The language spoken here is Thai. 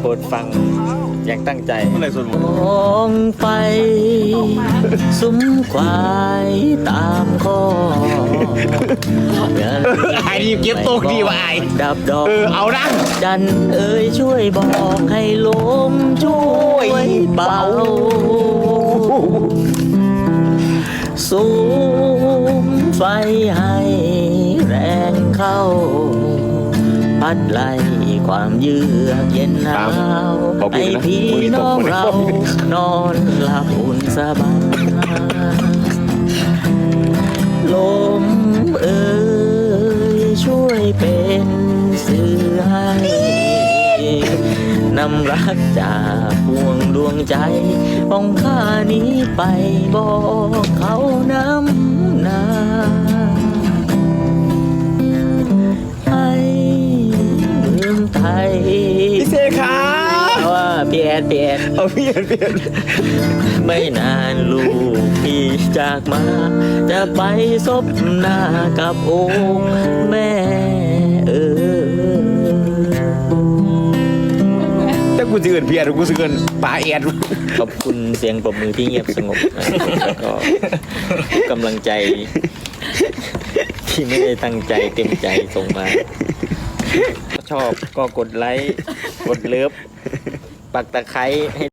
ปรดฟังอย่างตั้งใจเมื่อไหร่ส่วนหมดมองไปซุ้มควายตามคอไอ้นี่เก็บตกดีว่ะไอ้ดับดอกเอานะจันเอ๋ยช่วยบอกให้ลมช่วยเบาสูงไฟให้แรงเข้า พัดไล่ความเยือกเย็นหนาวให้พี่น้องเรานอนหลับอุ่นสบายลมเอ๋ยช่วยเป็นสื่อให้นำรักจากพวงดวงใจของข้านี้ไปบอกเขาน้ำหนาให้ลืมไทยพี่เสกขาว่าเปลี่ยนเอาเปลี่ยนไม่นานลูกพี่จากมา จะไปซบหน้ากับองค์แม่ถ้ากูจะเกินเพียรกูจะเกินปลาเอ็ดขอบคุณเสียงปรบมือที่เงียบสงบแล้วก็กำลังใจ ที่ไม่ได้ตั้งใจเต็มใจส่งมาชอบก็กดไลค์ กดเลิฟ ปักตะไคร้ให้